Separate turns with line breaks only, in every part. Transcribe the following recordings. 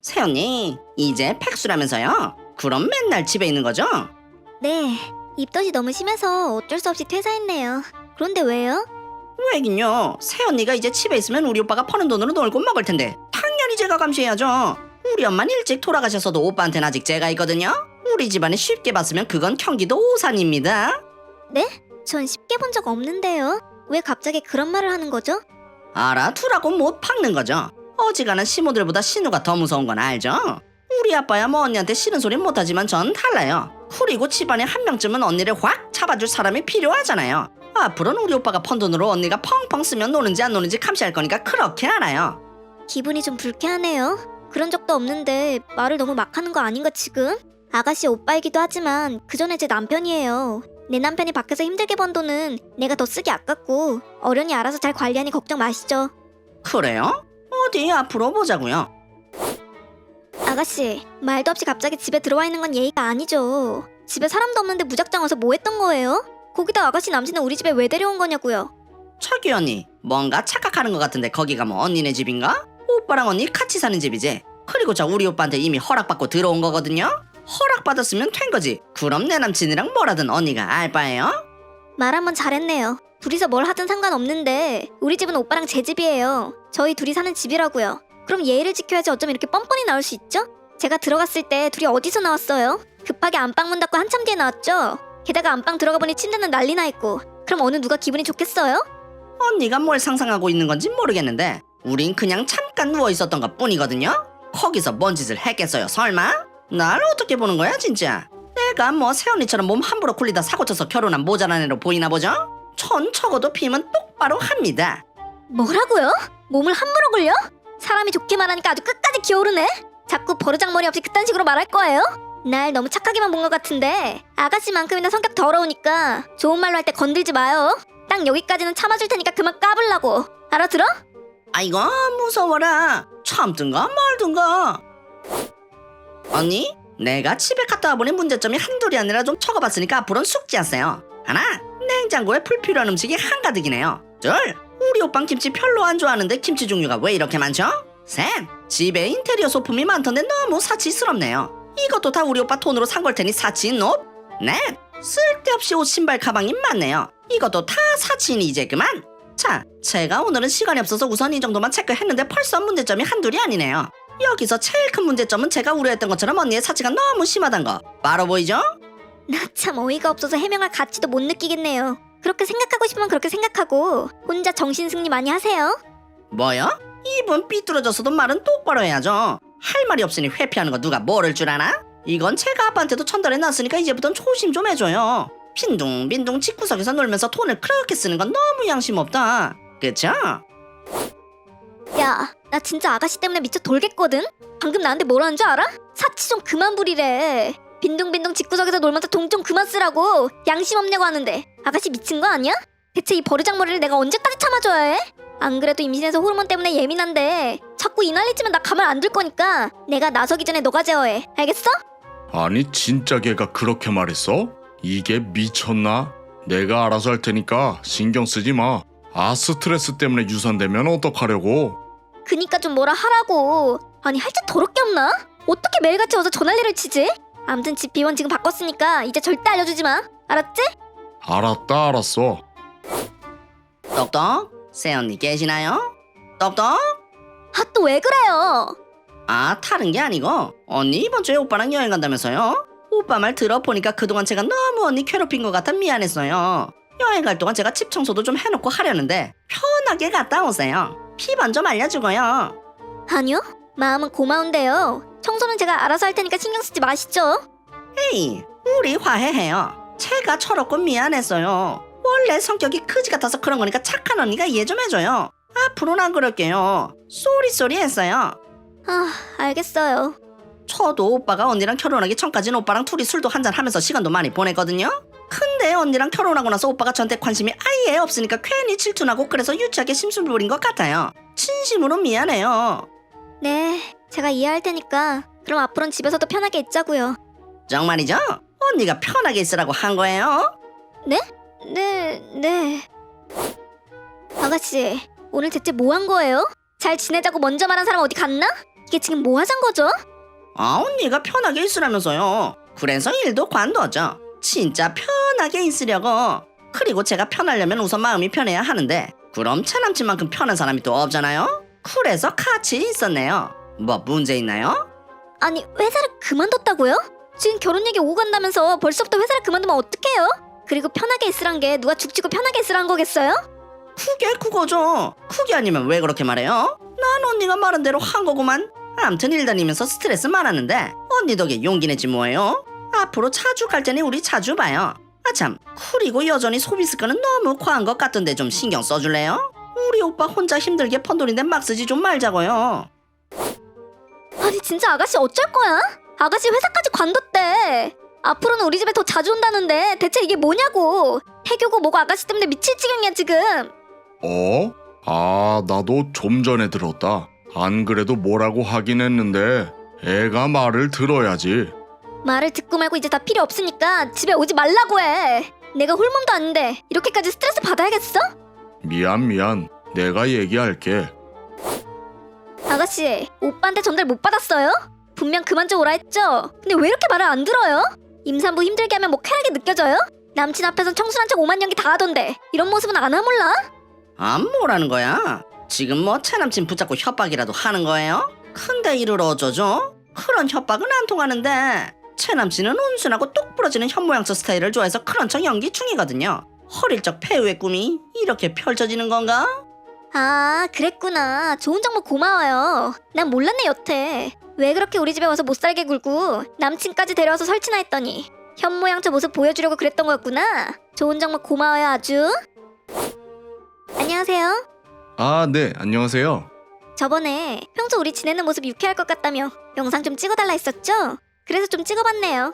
새언니, 이제 백수라면서요? 그럼 맨날 집에 있는 거죠?
네, 입덧이 너무 심해서 어쩔 수 없이 퇴사했네요. 그런데 왜요?
왜긴요. 새언니가 이제 집에 있으면 우리 오빠가 버는 돈으로 놀고 먹을 텐데 당연히 제가 감시해야죠. 우리 엄마는 일찍 돌아가셔서도 오빠한테는 아직 제가 있거든요. 우리 집안에 쉽게 봤으면 그건 경기도 오산입니다.
네? 전 쉽게 본 적 없는데요. 왜 갑자기 그런 말을 하는 거죠?
알아두라고 못 박는 거죠. 어지간한 시모들보다 신우가 더 무서운 건 알죠? 우리 아빠야 뭐 언니한테 싫은 소린 못하지만 전 달라요. 그리고 집안에 한 명쯤은 언니를 확 잡아줄 사람이 필요하잖아요. 앞으로는 우리 오빠가 펀 돈으로 언니가 펑펑 쓰면 노는지 안 노는지 감시할 거니까 그렇게 알아요.
기분이 좀 불쾌하네요. 그런 적도 없는데 말을 너무 막 하는 거 아닌가 지금? 아가씨 오빠이기도 하지만 그 전에 제 남편이에요. 내 남편이 밖에서 힘들게 번 돈은 내가 더 쓰기 아깝고 어련히 알아서 잘 관리하니 걱정 마시죠.
그래요? 어디 앞으로 보자고요.
아가씨, 말도 없이 갑자기 집에 들어와 있는 건 예의가 아니죠. 집에 사람도 없는데 무작정 와서 뭐 했던 거예요? 거기다 아가씨 남친은 우리 집에 왜 데려온 거냐고요.
차기 언니, 뭔가 착각하는 것 같은데 거기가 뭐 언니네 집인가? 오빠랑 언니 같이 사는 집이지. 그리고 저 우리 오빠한테 이미 허락받고 들어온 거거든요. 허락받았으면 된 거지. 그럼 내 남친이랑 뭐라든 언니가 알 바예요?
말 한번 잘했네요. 둘이서 뭘 하든 상관없는데 우리 집은 오빠랑 제 집이에요. 저희 둘이 사는 집이라고요. 그럼 예의를 지켜야지 어쩜 이렇게 뻔뻔히 나올 수 있죠? 제가 들어갔을 때 둘이 어디서 나왔어요? 급하게 안방 문 닫고 한참 뒤에 나왔죠? 게다가 안방 들어가 보니 침대는 난리나 있고. 그럼 어느 누가 기분이 좋겠어요?
언니가 뭘 상상하고 있는 건지 모르겠는데 우린 그냥 잠깐 누워 있었던 것 뿐이거든요. 거기서 뭔 짓을 했겠어요 설마? 날 어떻게 보는 거야 진짜? 내가 뭐 새언니처럼 몸 함부로 굴리다 사고쳐서 결혼한 모자란 애로 보이나 보죠? 전 적어도 피임은 똑바로 합니다.
뭐라고요? 몸을 함부로 굴려? 사람이 좋게 말하니까 아주 끝까지 기어오르네? 자꾸 버르장머리 없이 그딴 식으로 말할 거예요? 날 너무 착하게만 본 것 같은데 아가씨만큼이나 성격 더러우니까 좋은 말로 할 때 건들지 마요. 딱 여기까지는 참아줄 테니까 그만 까불라고. 알아들어?
아이고 무서워라. 참든가 말든가. 언니, 내가 집에 갔다 와보니 문제점이 한둘이 아니라 좀 적어봤으니까 앞으로는 숙지하세요. 하나, 냉장고에 불필요한 음식이 한가득이네요. 둘, 우리 오빤 김치 별로 안 좋아하는데 김치 종류가 왜 이렇게 많죠? 셋, 집에 인테리어 소품이 많던데 너무 사치스럽네요. 이것도 다 우리 오빠 돈으로 산 걸 테니 사치 높. 넷, 쓸데없이 옷 신발 가방이 많네요. 이것도 다 사치니 이제 그만. 자, 제가 오늘은 시간이 없어서 우선 이 정도만 체크했는데 벌써 문제점이 한둘이 아니네요. 여기서 제일 큰 문제점은 제가 우려했던 것처럼 언니의 사치가 너무 심하단 거 바로 보이죠?
나 참 어이가 없어서 해명할 가치도 못 느끼겠네요. 그렇게 생각하고 싶으면 그렇게 생각하고 혼자 정신승리 많이 하세요.
뭐요? 입은 삐뚤어졌어도 말은 똑바로 해야죠. 할 말이 없으니 회피하는 거 누가 모를 줄 아나? 이건 제가 아빠한테도 전달해 놨으니까 이제부턴 조심 좀 해줘요. 빈둥빈둥 집구석에서 놀면서 돈을 그렇게 쓰는 건 너무 양심 없다. 그쵸?
야, 나 진짜 아가씨 때문에 미쳐 돌겠거든? 방금 나한테 뭐라는 줄 알아? 사치 좀 그만 부리래. 빈둥빈둥 집구석에서 놀면서 돈 좀 그만 쓰라고. 양심 없냐고 하는데 아가씨 미친 거 아니야? 대체 이 버르장머리를 내가 언제까지 참아줘야 해? 안 그래도 임신해서 호르몬 때문에 예민한데 자꾸 이 난리치면 나 가만 안 둘 거니까 내가 나서기 전에 너가 제어해. 알겠어?
아니 진짜 걔가 그렇게 말했어? 이게 미쳤나? 내가 알아서 할 테니까 신경 쓰지 마. 아 스트레스 때문에 유산되면 어떡하려고?
그니까 좀 뭐라 하라고. 아니 할 짓 더럽게 없나? 어떻게 매일같이 와서 전화리를 치지? 암튼 집 비원 지금 바꿨으니까 이제 절대 알려주지 마. 알았지?
알았다 알았어.
똑똑? 새언니 계시나요? 똑똑?
아 또 왜 그래요?
아 다른 게 아니고 언니 이번 주에 오빠랑 여행 간다면서요? 오빠 말 들어보니까 그동안 제가 너무 언니 괴롭힌 것 같아 미안했어요. 여행 갈 동안 제가 집 청소도 좀 해놓고 하려는데 편하게 갔다 오세요. 피번 좀 알려주고요.
아니요, 마음은 고마운데요. 청소는 제가 알아서 할 테니까 신경 쓰지 마시죠.
에이, 우리 화해해요. 제가 철없고 미안했어요. 원래 성격이 그지 같아서 그런 거니까 착한 언니가 이해 좀 해줘요. 앞으로는 안 그럴게요. 쏘리 했어요.
아, 알겠어요.
저도 오빠가 언니랑 결혼하기 전까지는 오빠랑 둘이 술도 한잔 하면서 시간도 많이 보냈거든요. 근데 언니랑 결혼하고 나서 오빠가 저한테 관심이 아예 없으니까 괜히 질투나고 그래서 유치하게 심술 부린 것 같아요. 진심으로 미안해요.
네, 제가 이해할 테니까 그럼 앞으로는 집에서도 편하게 있자고요.
정말이죠? 언니가 편하게 있으라고 한 거예요?
네. 아가씨, 오늘 대체 뭐 한 거예요? 잘 지내자고 먼저 말한 사람 어디 갔나? 이게 지금 뭐 하자는 거죠?
아, 언니가 편하게 있으라면서요. 그래서 일도 관둬죠. 진짜 편하게 있으려고. 그리고 제가 편하려면 우선 마음이 편해야 하는데 그럼 차남친만큼 편한 사람이 또 없잖아요. 그래서 같이 있었네요. 뭐 문제 있나요?
아니 회사를 그만뒀다고요? 지금 결혼 얘기 오고 간다면서 벌써부터 회사를 그만두면 어떡해요? 그리고 편하게 있으란 게 누가 죽치고 편하게 있으란 거겠어요?
그게 그거죠. 그게 아니면 왜 그렇게 말해요? 난 언니가 말한 대로 한 거구만. 암튼 일 다니면서 스트레스 많았는데 언니 덕에 용기 내지 뭐예요? 앞으로 자주 갈 테니 우리 자주 봐요. 아참, 그리고 여전히 소비 습관은 너무 과한 것 같던데 좀 신경 써줄래요? 우리 오빠 혼자 힘들게 번 돈인데 막 쓰지 좀 말자고요.
아니 진짜 아가씨 어쩔 거야? 아가씨 회사까지 관뒀대. 앞으로는 우리 집에 더 자주 온다는데 대체 이게 뭐냐고. 해교고 뭐고 아가씨 때문에 미칠 지경이야 지금.
어? 아, 나도 좀 전에 들었다. 안 그래도 뭐라고 하긴 했는데 애가 말을 들어야지.
말을 듣고 말고 이제 다 필요 없으니까 집에 오지 말라고 해. 내가 홀몸도 아닌데 이렇게까지 스트레스 받아야겠어?
미안. 내가 얘기할게.
아가씨 오빠한테 전달 못 받았어요? 분명 그만 좀 오라 했죠? 근데 왜 이렇게 말을 안 들어요? 임산부 힘들게 하면 뭐 쾌하게 느껴져요? 남친 앞에선 청순한 척 오만 연기 다 하던데 이런 모습은 안 하몰라?
아, 뭐라는 거야? 지금 뭐 차남친 붙잡고 협박이라도 하는 거예요? 근데 이를 어쩌죠? 그런 협박은 안 통하는데 차남친은 온순하고 똑 부러지는 현모양처 스타일을 좋아해서 그런 척 연기 중이거든요. 어릴 적 폐후의 꿈이 이렇게 펼쳐지는 건가?
아 그랬구나. 좋은 정보 고마워요. 난 몰랐네 여태. 왜 그렇게 우리 집에 와서 못살게 굴고 남친까지 데려와서 설치나 했더니 현모양처 모습 보여주려고 그랬던 거였구나. 좋은 정보 고마워요 아주. 안녕하세요.
아, 네, 안녕하세요.
저번에 평소 우리 지내는 모습 유쾌할 것 같다며 영상 좀 찍어달라 했었죠? 그래서 좀 찍어봤네요.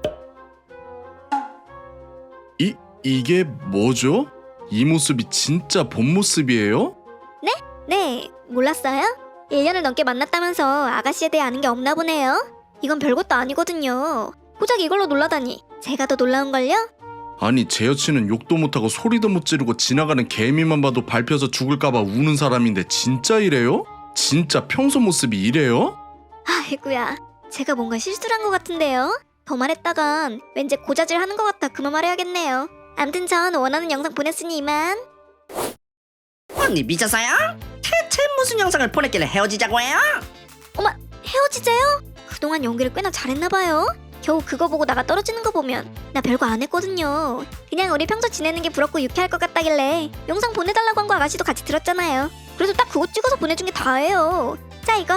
이게 뭐죠? 이 모습이 진짜 본 모습이에요?
네, 몰랐어요? 1년을 넘게 만났다면서 아가씨에 대해 아는 게 없나 보네요. 이건 별것도 아니거든요. 고작 이걸로 놀라다니 제가 더 놀라운걸요?
아니, 제 여친은 욕도 못하고 소리도 못 지르고 지나가는 개미만 봐도 밟혀서 죽을까봐 우는 사람인데 진짜 이래요? 진짜 평소 모습이 이래요?
아이구야, 제가 뭔가 실수를 한 것 같은데요? 더 말했다간 왠지 고자질 하는 것 같아 그만 말해야겠네요. 암튼 전 원하는 영상 보냈으니 이만.
언니 미쳤어요? 대체 무슨 영상을 보냈길래 헤어지자고 해요?
헤어지재요? 그동안 연기를 꽤나 잘했나봐요. 겨우 그거 보고 나가 떨어지는 거 보면 나 별거 안 했거든요. 그냥 우리 평소 지내는 게 부럽고 유쾌할 것 같다길래 영상 보내달라고 한 거 아가씨도 같이 들었잖아요. 그래서 딱 그거 찍어서 보내준 게 다예요. 자 이거.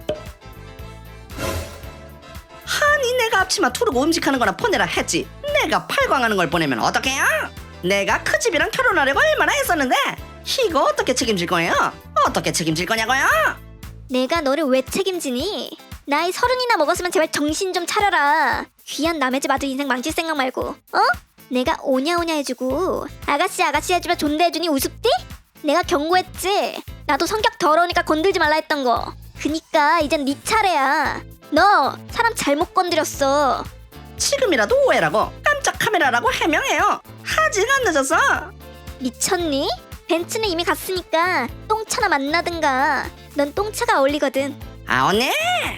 아니 내가 앞치마 두르고 음식하는 거나 보내라 했지. 내가 팔광하는 걸 보내면 어떡해요? 내가 그 집이랑 결혼하려고 얼마나 했었는데 이거 어떻게 책임질 거예요? 어떻게 책임질 거냐고요?
내가 너를 왜 책임지니? 나이 30이나 먹었으면 제발 정신 좀 차려라. 귀한 남의 집 아들 인생 망칠 생각 말고. 어? 내가 오냐오냐 해주고 아가씨 해주면 존대해주니 우습디? 내가 경고했지. 나도 성격 더러우니까 건들지 말라 했던 거. 그니까 이젠 네 차례야. 너 사람 잘못 건드렸어.
지금이라도 오해라고 깜짝 카메라라고 해명해요. 아직 안 늦었어.
미쳤니? 벤츠는 이미 갔으니까 똥차나 만나든가. 넌 똥차가 어울리거든.
아 언니!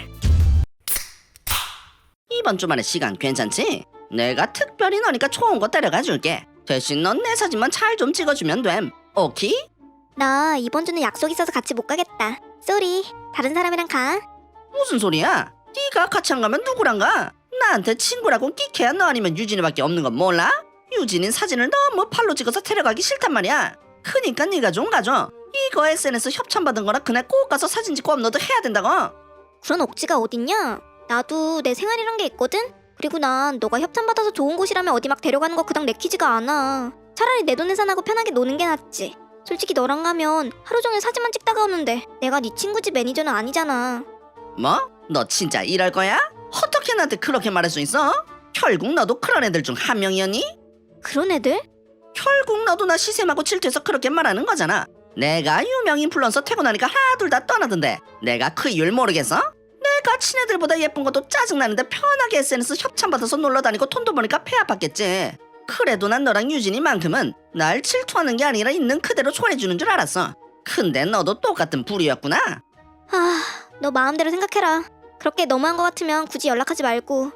이번 주말에 시간 괜찮지? 내가 특별히 너니까 좋은 거 데려가 줄게. 대신 넌 내 사진만 잘 좀 찍어주면 됨. 오케이?
나 이번 주는 약속 있어서 같이 못 가겠다. 쏘리. 다른 사람이랑 가.
무슨 소리야? 네가 같이 안 가면 누구랑 가? 나한테 친구라고 끼케야 너 아니면 유진이밖에 없는 건 몰라? 유진인 사진을 너무 팔로 찍어서 데려가기 싫단 말이야. 그니까 네가 좀 가줘. 이거 SNS 협찬받은 거라 그날 꼭 가서 사진 찍고 업로드 해야 된다고.
그런 억지가 어딨냐? 나도 내 생활이란 게 있거든? 그리고 난 너가 협찬받아서 좋은 곳이라면 어디 막 데려가는 거 그닥 내키지가 않아. 차라리 내 돈 내산하고 편하게 노는 게 낫지. 솔직히 너랑 가면 하루 종일 사진만 찍다가 오는데 내가 네 친구 집 매니저는 아니잖아.
뭐? 너 진짜 이럴 거야? 어떻게 나한테 그렇게 말할 수 있어? 결국 너도 그런 애들 중 한 명이었니?
그런 애들?
결국 너도 나 시샘하고 질투해서 그렇게 말하는 거잖아. 내가 유명 인플루언서 퇴근하니까 하나 둘 다 떠나던데 내가 그 이유를 모르겠어? 내가 친애들보다 예쁜 것도 짜증나는데 편하게 SNS 협찬받아서 놀러다니고 돈도 버니까 폐 아팠겠지. 그래도 난 너랑 유진이만큼은 날 질투하는 게 아니라 있는 그대로 좋아해주는 줄 알았어. 근데 너도 똑같은 부류였구나.
아, 너 마음대로 생각해라. 그렇게 너무한 거 같으면 굳이 연락하지 말고.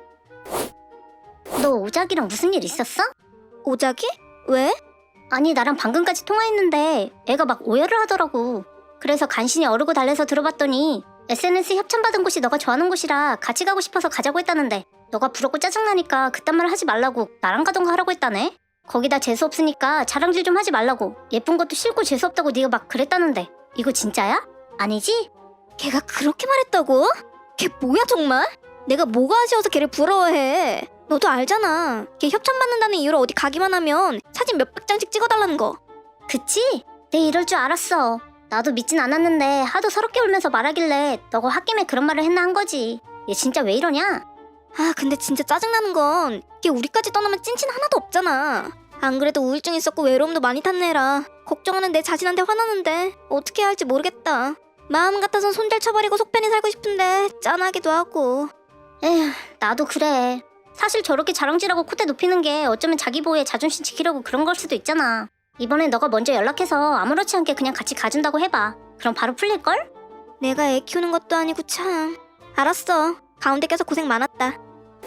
너 오작이랑 무슨 일 있었어?
오작이? 왜?
아니 나랑 방금까지 통화했는데 애가 막 오해를 하더라고. 그래서 간신히 어르고 달래서 들어봤더니 SNS 협찬받은 곳이 너가 좋아하는 곳이라 같이 가고 싶어서 가자고 했다는데 너가 부럽고 짜증나니까 그딴 말 하지 말라고 나랑 가던가 하라고 했다네. 거기다 재수 없으니까 자랑질 좀 하지 말라고 예쁜 것도 싫고 재수 없다고 네가 막 그랬다는데 이거 진짜야? 아니지?
걔가 그렇게 말했다고? 걔 뭐야 정말? 내가 뭐가 아쉬워서 걔를 부러워해. 너도 알잖아. 걔 협찬받는다는 이유로 어디 가기만 하면 사진 몇백 장씩 찍어달라는 거.
그치? 내 이럴 줄 알았어. 나도 믿진 않았는데 하도 서럽게 울면서 말하길래 너가 홧김에 그런 말을 했나 한 거지. 얘 진짜 왜 이러냐?
아 근데 진짜 짜증나는 건 걔 우리까지 떠나면 찐친 하나도 없잖아. 안 그래도 우울증 있었고 외로움도 많이 탔네 애라. 걱정하는 내 자신한테 화나는데 어떻게 해야 할지 모르겠다. 마음 같아선 손절 쳐버리고 속 편히 살고 싶은데 짠하기도 하고.
에휴, 나도 그래. 사실 저렇게 자랑질하고 콧대 높이는 게 어쩌면 자기 보호에 자존심 지키려고 그런 걸 수도 있잖아. 이번엔 너가 먼저 연락해서 아무렇지 않게 그냥 같이 가준다고 해봐. 그럼 바로 풀릴걸?
내가 애 키우는 것도 아니고 참. 알았어. 가운데 껴서 고생 많았다.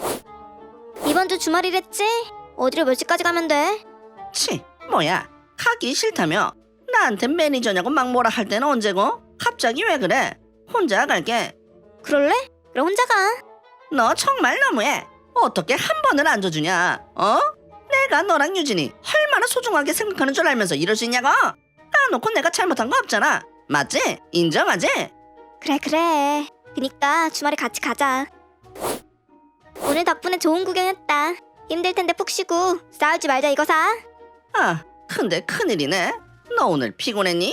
이번 주 주말이랬지? 어디로 몇 시까지 가면 돼?
치, 뭐야? 가기 싫다며? 나한테 매니저냐고 막 뭐라 할 때는 언제고? 갑자기 왜 그래? 혼자 갈게.
그럴래? 그럼 혼자 가.
너 정말 너무해. 어떻게 한 번을 안 줘주냐? 어? 내가 너랑 유진이 얼마나 소중하게 생각하는 줄 알면서 이럴 수 있냐고? 까놓고 내가 잘못한 거 없잖아. 맞지? 인정하지?
그래. 그니까 주말에 같이 가자. 오늘 덕분에 좋은 구경했다. 힘들 텐데 푹 쉬고 싸우지 말자 이거사.
아, 근데 큰일이네. 너 오늘 피곤했니?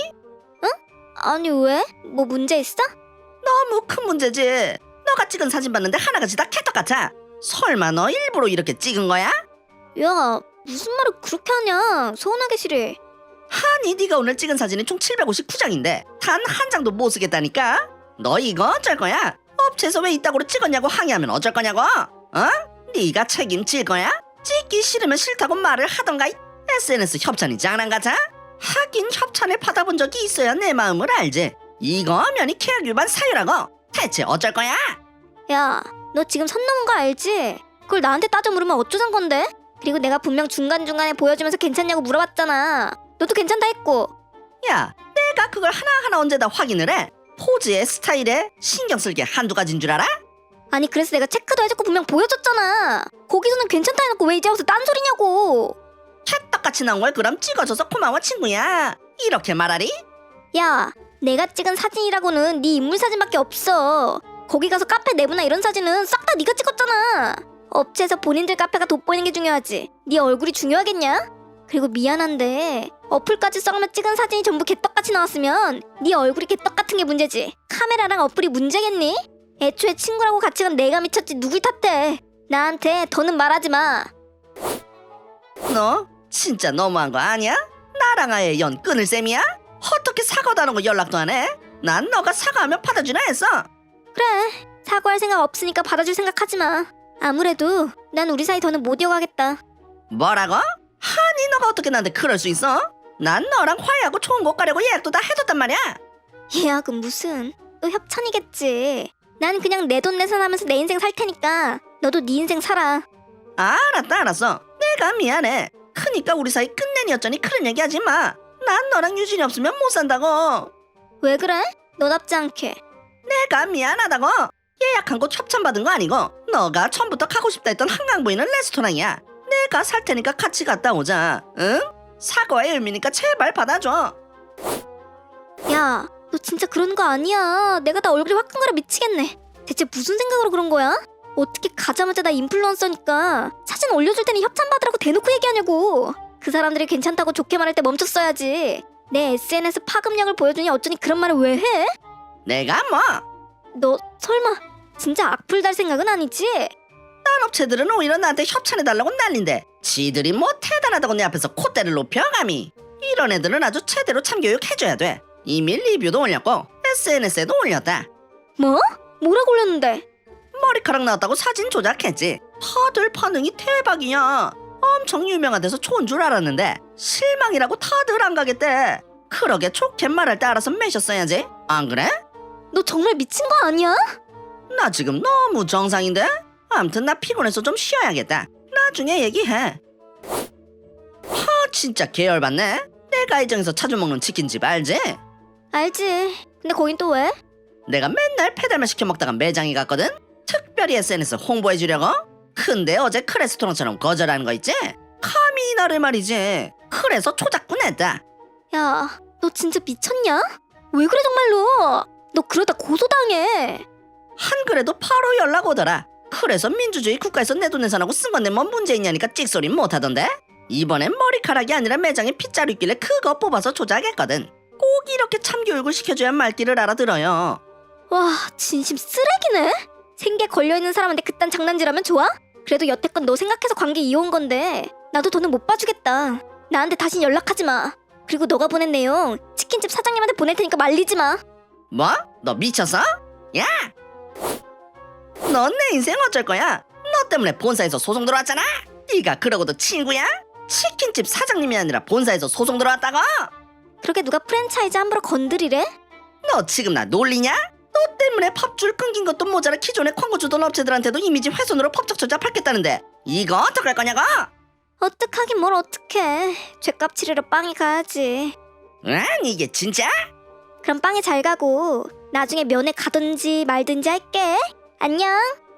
아니 왜? 뭐 문제 있어?
너무 큰 문제지. 너가 찍은 사진 봤는데 하나같이 다 찰떡 같아. 설마 너 일부러 이렇게 찍은 거야?
야 무슨 말을 그렇게 하냐. 서운하게 싫어.
아니 네가 오늘 찍은 사진이 총 759장인데 단 한 장도 못 쓰겠다니까? 너 이거 어쩔 거야? 업체에서 왜 이따구로 찍었냐고 항의하면 어쩔 거냐고? 어? 네가 책임질 거야? 찍기 싫으면 싫다고 말을 하던가. SNS 협찬이 장난 같아? 하긴 협찬을 받아본 적이 있어야 내 마음을 알지. 이거 면이 계약 위반 사유라고. 대체 어쩔 거야?
야 너 지금 선 넘은 거 알지? 그걸 나한테 따져 물으면 어쩌잔 건데? 그리고 내가 분명 중간중간에 보여주면서 괜찮냐고 물어봤잖아. 너도 괜찮다 했고.
야, 내가 그걸 하나하나 언제 다 확인을 해? 포즈에 스타일에 신경 쓸 게 한두 가지인 줄 알아?
아니 그래서 내가 체크도 해줬고 분명 보여줬잖아. 거기서는 괜찮다 해놓고 왜 이제 와서 딴소리냐고.
찰떡같이 나온 걸 그럼 찍어줘서 고마워 친구야. 이렇게 말하리?
야 내가 찍은 사진이라고는 네 인물 사진밖에 없어. 거기 가서 카페 내부나 이런 사진은 싹 다 네가 찍었잖아. 업체에서 본인들 카페가 돋보이는 게 중요하지 네 얼굴이 중요하겠냐? 그리고 미안한데 어플까지 써가며 찍은 사진이 전부 개떡같이 나왔으면 네 얼굴이 개떡 같은 게 문제지 카메라랑 어플이 문제겠니? 애초에 친구라고 같이 간 내가 미쳤지 누굴 탓해. 나한테 더는 말하지 마.
너 진짜 너무한 거 아니야? 나랑 아예 연 끊을 셈이야? 어떻게 사과도 안 하고 연락도 안 해? 난 너가 사과하면 받아주나 했어.
그래 사과할 생각 없으니까 받아줄 생각하지 마. 아무래도 난 우리 사이 더는 못 이어가겠다.
뭐라고? 아니 너가 어떻게 나한테 그럴 수 있어? 난 너랑 화해하고 좋은 곳 가려고 예약도 다 해뒀단 말이야.
예약은 무슨 또 협찬이겠지. 난 그냥 내 돈 내산하면서 내 인생 살 테니까 너도 네 인생 살아.
알았어. 내가 미안해. 크니까 우리 사이 끝내니였더니 그런 얘기 하지 마. 난 너랑 유진이 없으면 못 산다고.
왜 그래? 너답지 않게.
내가 미안하다고. 예약한 곳 협찬받은 거 아니고 너가 처음부터 가고 싶다 했던 한강 보이는 레스토랑이야. 내가 살 테니까 같이 갔다 오자. 응? 사과의 의미니까 제발 받아줘.
야, 너 진짜 그러는 거 아니야. 내가 다 얼굴이 화끈거려 미치겠네. 대체 무슨 생각으로 그런 거야? 어떻게 가자마자 나 인플루언서니까 사진 올려줄 때는 협찬 받으라고 대놓고 얘기하냐고. 그 사람들이 괜찮다고 좋게 말할 때 멈췄어야지. 내 SNS 파급력을 보여주니 어쩌니 그런 말을 왜 해?
내가 뭐?
너 설마 진짜 악플 달 생각은 아니지?
딴 업체들은 오히려 나한테 협찬해달라고 난린데 지들이 뭐 대단하다고 내 앞에서 콧대를 높여 감히. 이런 애들은 아주 제대로 참교육 해줘야 돼. 이미 리뷰도 올렸고 SNS에도 올렸다.
뭐? 뭐라고 올렸는데?
머리카락 나왔다고 사진 조작했지. 다들 반응이 대박이야. 엄청 유명한 데서 좋은 줄 알았는데 실망이라고 다들 안 가겠대. 그러게 좋게 말할 때 알아서 매셨어야지. 안 그래?
너 정말 미친 거 아니야?
나 지금 너무 정상인데? 암튼 나 피곤해서 좀 쉬어야겠다. 나중에 얘기해. 진짜 계열받네. 내가 이정에서 자주 먹는 치킨집 알지?
알지. 근데 거긴 또 왜?
내가 맨날 배달만 시켜 먹다가 매장에 갔거든? 특별히 SNS 홍보해주려고? 근데 어제 크레스토랑처럼 거절하는 거 있지? 감히 나를 말이지. 그래서 초작꾼 했다.
야, 너 진짜 미쳤냐? 왜 그래 정말로? 너 그러다 고소당해.
한 그래도 바로 연락 오더라. 그래서 민주주의 국가에서 내돈내산하고 쓴 건데 뭔 문제 있냐니까 찍소리 못하던데? 이번엔 머리카락이 아니라 매장에 핏자루 있길래 그거 뽑아서 조작했거든. 꼭 이렇게 참교육을 시켜줘야 말귀를 알아들어요.
와, 진심 쓰레기네? 생계 걸려있는 사람한테 그딴 장난질하면 좋아? 그래도 여태껏 너 생각해서 관계 이어온 건데 나도 더는 못 봐주겠다. 나한테 다신 연락하지 마. 그리고 너가 보낸 내용 치킨집 사장님한테 보낼 테니까 말리지 마.
뭐? 너 미쳤어? 야! 넌 내 인생 어쩔 거야? 너 때문에 본사에서 소송 들어왔잖아? 네가 그러고도 친구야? 치킨집 사장님이 아니라 본사에서 소송 들어왔다고?
그렇게 누가 프랜차이즈 함부로 건드리래?
너 지금 나 놀리냐? 너 때문에 밥줄 끊긴 것도 모자라 기존에 광고 주던 업체들한테도 이미지 훼손으로 법적 조작 받겠다는데 이거 어떡할 거냐고?
어떡하긴 뭘 어떡해. 죗값 치르러 빵이 가야지.
응? 이게 진짜?
그럼 빵이 잘 가고 나중에 면회 가든지 말든지 할게. 안녕.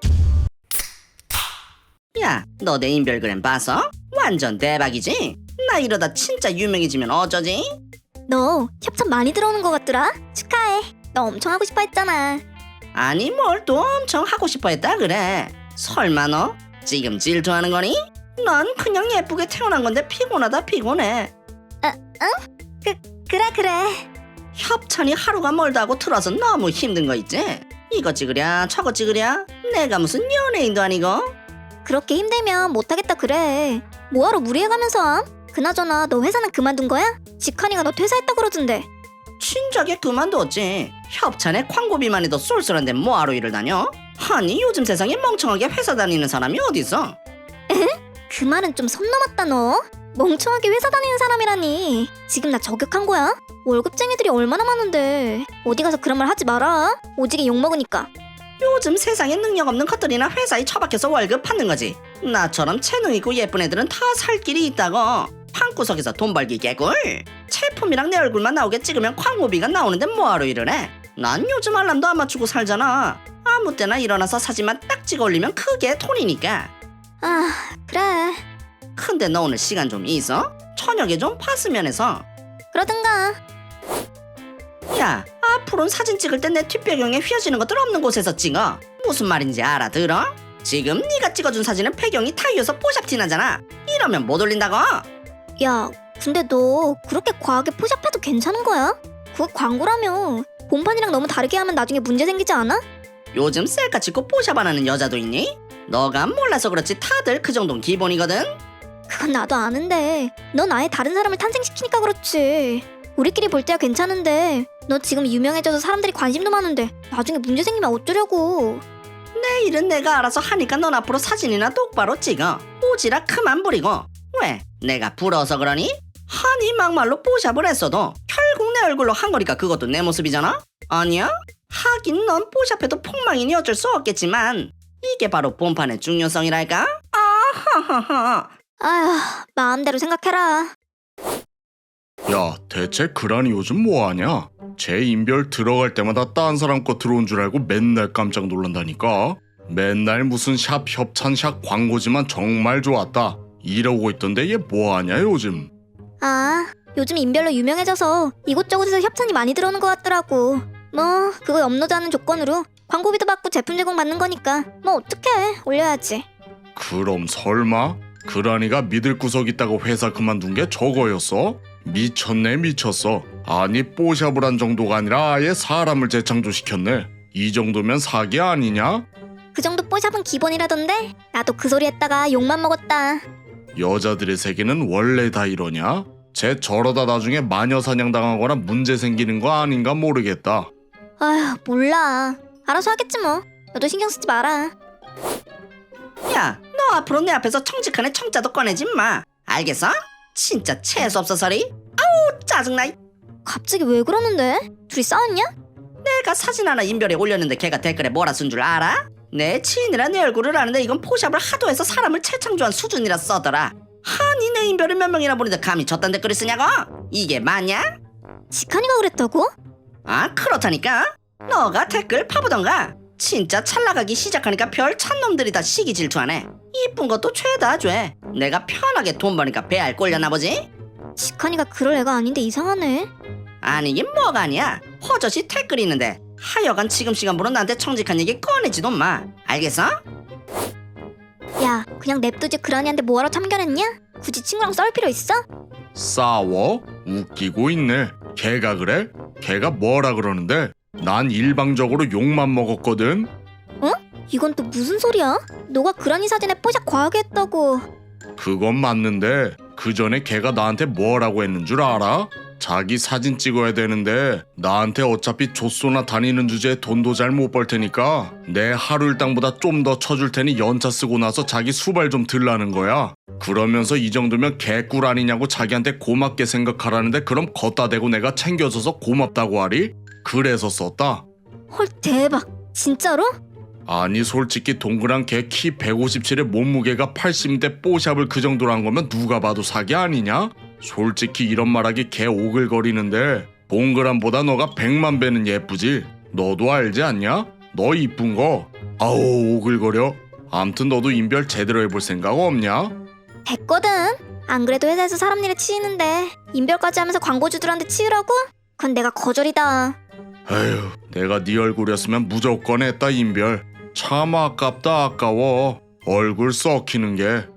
야, 너 내 인별그램 봐서? 완전 대박이지? 나 이러다 진짜 유명해지면 어쩌지?
너 협찬 많이 들어오는 것 같더라. 축하해. 너 엄청 하고 싶어 했잖아.
아니 뭘 또 엄청 하고 싶어 했다 그래. 설마 너 지금 질투하는 거니? 난 그냥 예쁘게 태어난 건데 피곤하다 피곤해.
그래.
협찬이 하루가 멀다 하고 틀어서 너무 힘든 거 있지? 이거 찍으랴 저거 찍으랴 내가 무슨 연예인도 아니고.
그렇게 힘들면 못하겠다 그래. 뭐하러 무리해가면서 함? 그나저나 너 회사는 그만둔 거야? 직환이가 너 퇴사했다 그러던데.
진작에 그만뒀지. 협찬에 광고비만 해도 쏠쏠한데 뭐하러 일을 다녀? 아니 요즘 세상에 멍청하게 회사 다니는 사람이 어딨어?
그 말은 좀 선 넘었다 너. 멍청하게 회사 다니는 사람이라니. 지금 나 저격한 거야? 월급쟁이들이 얼마나 많은데. 어디 가서 그런 말 하지 마라. 오지게 욕먹으니까.
요즘 세상에 능력 없는 것들이나 회사에 처박혀서 월급 받는 거지. 나처럼 재능 있고 예쁜 애들은 다 살 길이 있다고. 방구석에서 돈 벌기 개꿀. 제품이랑 내 얼굴만 나오게 찍으면 광고비가 나오는데 뭐하러 일을 해? 난 요즘 알람도 안 맞추고 살잖아. 아무 때나 일어나서 사진만 딱 찍어 올리면 그게 돈이니까.
아, 그래.
근데 너 오늘 시간 좀 있어? 저녁에 좀 봤으면 해서.
그러든가.
야, 앞으로는 사진 찍을 때 내 뒷배경에 휘어지는 것들 없는 곳에서 찍어. 무슨 말인지 알아들어? 지금 네가 찍어준 사진은 배경이 타이어서 뽀샵 티나잖아. 이러면 못 올린다고.
야, 근데 너 그렇게 과하게 포샵해도 괜찮은 거야? 그거 광고라며. 본판이랑 너무 다르게 하면 나중에 문제 생기지 않아?
요즘 셀카 찍고 뽀샵 안 하는 여자도 있니? 너가 몰라서 그렇지 다들 그 정도는 기본이거든.
그건 나도 아는데 넌 아예 다른 사람을 탄생시키니까 그렇지. 우리끼리 볼 때야 괜찮은데 너 지금 유명해져서 사람들이 관심도 많은데 나중에 문제 생기면 어쩌려고.
내 일은 내가 알아서 하니까 넌 앞으로 사진이나 똑바로 찍어. 오지랖 그만 부리고. 왜? 내가 부러워서 그러니? 아니 막말로 뽀샵을 했어도 결국 내 얼굴로 한 거니까 그것도 내 모습이잖아? 아니야? 하긴 넌 뽀샵해도 폭망이니 어쩔 수 없겠지만 이게 바로 본판의 중요성이랄까? 아하하하.
아휴, 마음대로 생각해라.
야, 대체 그란이 요즘 뭐하냐? 제 인별 들어갈 때마다 딴 사람 거 들어온 줄 알고 맨날 깜짝 놀란다니까. 맨날 무슨 샵 협찬 샵 광고지만 정말 좋았다 이러고 있던데 얘 뭐하냐 요즘.
아, 요즘 인별로 유명해져서 이곳저곳에서 협찬이 많이 들어오는 것 같더라고. 뭐 그거 업로드하는 조건으로 광고비도 받고 제품 제공 받는 거니까 뭐 어떡해, 올려야지.
그럼 설마 그란이가 믿을 구석 있다고 회사 그만둔 게 저거였어? 미쳤네 미쳤어. 아니 뽀샵을 한 정도가 아니라 아예 사람을 재창조시켰네. 이 정도면 사기 아니냐?
그 정도 뽀샵은 기본이라던데 나도 그 소리 했다가 욕만 먹었다.
여자들의 세계는 원래 다 이러냐? 쟤 저러다 나중에 마녀 사냥 당하거나 문제 생기는 거 아닌가 모르겠다.
아휴, 몰라. 알아서 하겠지 뭐. 너도 신경 쓰지 마라.
야, 너 앞으로 내 앞에서 청직한 애 청자도 꺼내지 마. 알겠어? 진짜 재수 없어서리. 아우 짜증나.
갑자기 왜 그러는데? 둘이 싸웠냐?
내 내가 사진 하나 인별에 올렸는데 걔가 댓글에 뭐라 쓴 줄 알아? 내 지인이라 내 얼굴을 아는데 이건 포샵을 하도 해서 사람을 채창조한 수준이라 써더라. 아니 내 인별을 몇 명이나 보는데 감히 저딴 댓글을 쓰냐고? 이게 맞냐?
지칸이가 그랬다고?
아 그렇다니까. 너가 댓글 파보던가. 진짜 찰나가기 시작하니까 별 찬놈들이 다 시기 질투하네. 이쁜 것도 죄다 죄. 내가 편하게 돈 버니까 배알 꼴렸나 보지?
지칸이가 그럴 애가 아닌데 이상하네.
아니긴 뭐가 아니야. 허젓이 댓글이 있는데 하여간 지금 시간부로 나한테 정직한 얘기 꺼내지도 마. 알겠어?
야, 그냥 냅두지 그라니한테 뭐하러 참견했냐? 굳이 친구랑 싸울 필요 있어?
싸워? 웃기고 있네. 걔가 그래? 걔가 뭐라 그러는데? 난 일방적으로 욕만 먹었거든.
이건 또 무슨 소리야? 너가 그라니 사진에 뽀샵 과하게 했다고.
그건 맞는데 그 전에 걔가 나한테 뭐라고 했는 줄 알아? 자기 사진 찍어야 되는데 나한테 어차피 좆소나 다니는 주제에 돈도 잘 못 벌 테니까 내 하루 일당보다 좀 더 쳐줄 테니 연차 쓰고 나서 자기 수발 좀 들라는 거야. 그러면서 이 정도면 개꿀 아니냐고 자기한테 고맙게 생각하라는데 그럼 걷다 대고 내가 챙겨줘서 고맙다고 하리? 그래서 썼다.
헐 대박. 진짜로?
아니 솔직히 동그란 개 키 157에 몸무게가 80인데 뽀샵을 그 정도로 한 거면 누가 봐도 사기 아니냐? 솔직히 이런 말하기 개 오글거리는데 동그란보다 너가 100만 배는 예쁘지. 너도 알지 않냐? 너 이쁜 거. 아우 오글거려. 암튼 너도 인별 제대로 해볼 생각 없냐?
됐거든. 안 그래도 회사에서 사람 일에 치이는데 인별까지 하면서 광고주들한테 치으라고? 그건 내가 거절이다.
에휴 내가 네 얼굴이었으면 무조건 했다 인별. 참 아깝다 아까워. 얼굴 썩히는 게.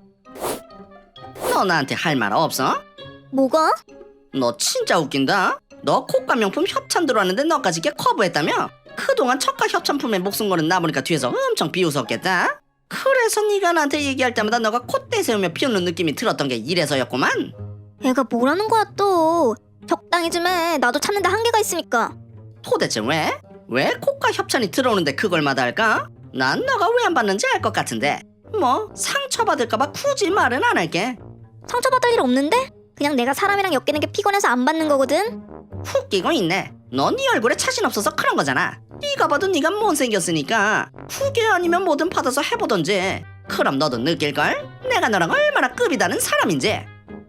너 나한테 할 말 없어?
뭐가?
너 진짜 웃긴다. 너 코가 명품 협찬 들어왔는데 너까지 걔 커브했다며? 그동안 저가 협찬품에 목숨 거는 나 보니까 뒤에서 엄청 비웃었겠다. 그래서 네가 나한테 얘기할 때마다 너가 콧대 세우며 비웃는 느낌이 들었던 게 이래서였구만.
애가 뭐라는 거야 또. 적당히 좀 해. 나도 찾는데 한계가 있으니까.
도대체 왜? 왜 코가 협찬이 들어오는데 그걸 마다할까? 난 너가 왜 안 받는지 알 것 같은데. 뭐 상처받을까봐 굳이 말은 안 할게.
상처받을 일 없는데? 그냥 내가 사람이랑 엮이는 게 피곤해서 안 받는 거거든.
웃기고 있네. 너 네 얼굴에 자신 없어서 그런 거잖아. 네가 봐도 네가 못생겼으니까 그게 아니면 뭐든 받아서 해보던지. 그럼 너도 느낄걸? 내가 너랑 얼마나 급이 다른 사람인지.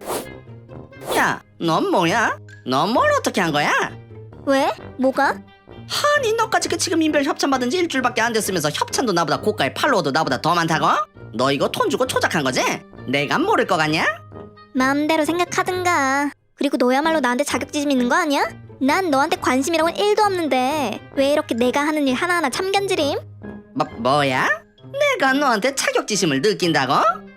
야, 넌 뭐야? 넌 뭘 어떻게 한 거야?
왜? 뭐가?
아니 너까지 그 지금 인별 협찬 받은 지 일주일밖에 안 됐으면서 협찬도 나보다 고가에 팔로워도 나보다 더 많다고? 너 이거 돈 주고 조작한 거지? 내가 모를 거 같냐?
마음대로 생각하든가. 그리고 너야말로 나한테 자격지심 있는 거 아니야? 난 너한테 관심이라고는 1도 없는데 왜 이렇게 내가 하는 일 하나하나 참견지림?
뭐야? 내가 너한테 자격지심을 느낀다고?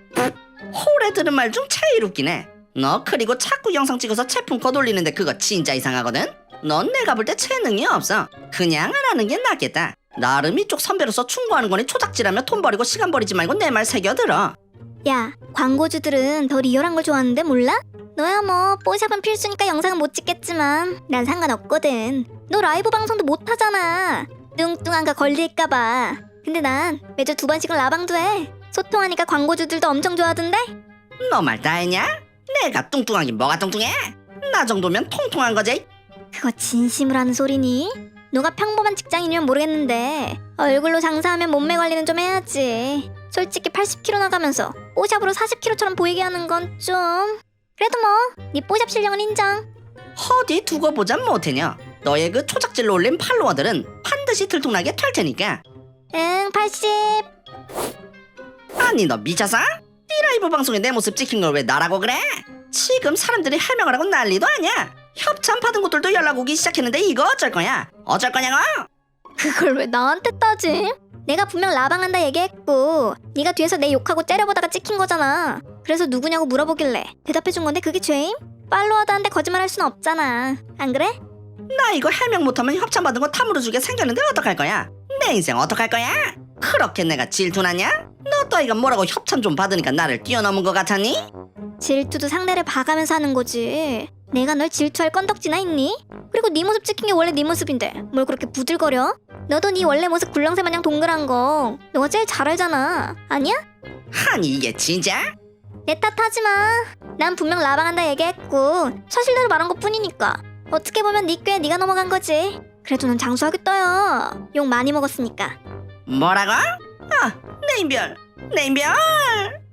홀에 들은 말 중 제일 웃기네. 너 그리고 자꾸 영상 찍어서 제품 걷올리는데 그거 진짜 이상하거든? 넌 내가 볼 때 재능이 없어. 그냥 안 하는 게 낫겠다. 나름 이쪽 선배로서 충고하는 거니 초작질하며 돈 버리고 시간 버리지 말고 내 말 새겨들어.
야, 광고주들은 더 리얼한 걸 좋아하는데 몰라? 너야 뭐 뽀샵은 필수니까 영상은 못 찍겠지만 난 상관없거든. 너 라이브 방송도 못 하잖아. 뚱뚱한 거 걸릴까봐. 근데 난 매주 2번씩은 라방도 해. 소통하니까 광고주들도 엄청 좋아하던데?
너 말 다 했냐? 내가 뚱뚱하긴 뭐가 뚱뚱해? 나 정도면 통통한 거지.
그거 진심으로 하는 소리니? 너가 평범한 직장인이면 모르겠는데 얼굴로 장사하면 몸매 관리는 좀 해야지. 솔직히 80kg 나가면서 뽀샵으로 40kg처럼 보이게 하는 건 좀... 그래도 뭐 네 뽀샵 실력은 인정.
어디 두고 보자 못해냐. 너의 그 초작질로 올린 팔로워들은 반드시 들통나게 털 테니까.
응, 80.
아니 너 미쳤어? 네 라이브 방송에 내 모습 찍힌 걸 왜 나라고 그래? 지금 사람들이 해명을 하고 난리도 아니야. 협찬 받은 곳들도 연락 오기 시작했는데 이거 어쩔 거냐? 어쩔 거냐고?
그걸 왜 나한테 따지? 내가 분명 라방한다 얘기했고 네가 뒤에서 내 욕하고 째려보다가 찍힌 거잖아. 그래서 누구냐고 물어보길래 대답해준 건데 그게 죄임? 팔로워드한테 거짓말할 순 없잖아. 안 그래?
나 이거 해명 못하면 협찬 받은 거 탐으로 주게 생겼는데 어떡할 거야? 내 인생 어떡할 거야? 그렇게 내가 질투나냐? 너 따위가 뭐라고 협찬 좀 받으니까 나를 뛰어넘은 것 같았니?
질투도 상대를 봐가면서 하는 거지. 내가 널 질투할 건덕지나 있니? 그리고 네 모습 찍힌 게 원래 네 모습인데 뭘 그렇게 부들거려? 너도 네 원래 모습 굴렁쇠 마냥 동그란 거 너가 제일 잘 알잖아. 아니야?
아니 이게 진짜?
내 탓하지 마. 난 분명 라방한다 얘기했고 사실대로 말한 것 뿐이니까. 어떻게 보면 네 꾀에 네가 넘어간 거지. 그래도 난 장수하겠다 야. 욕 많이 먹었으니까.
뭐라고? 아, 내 인별.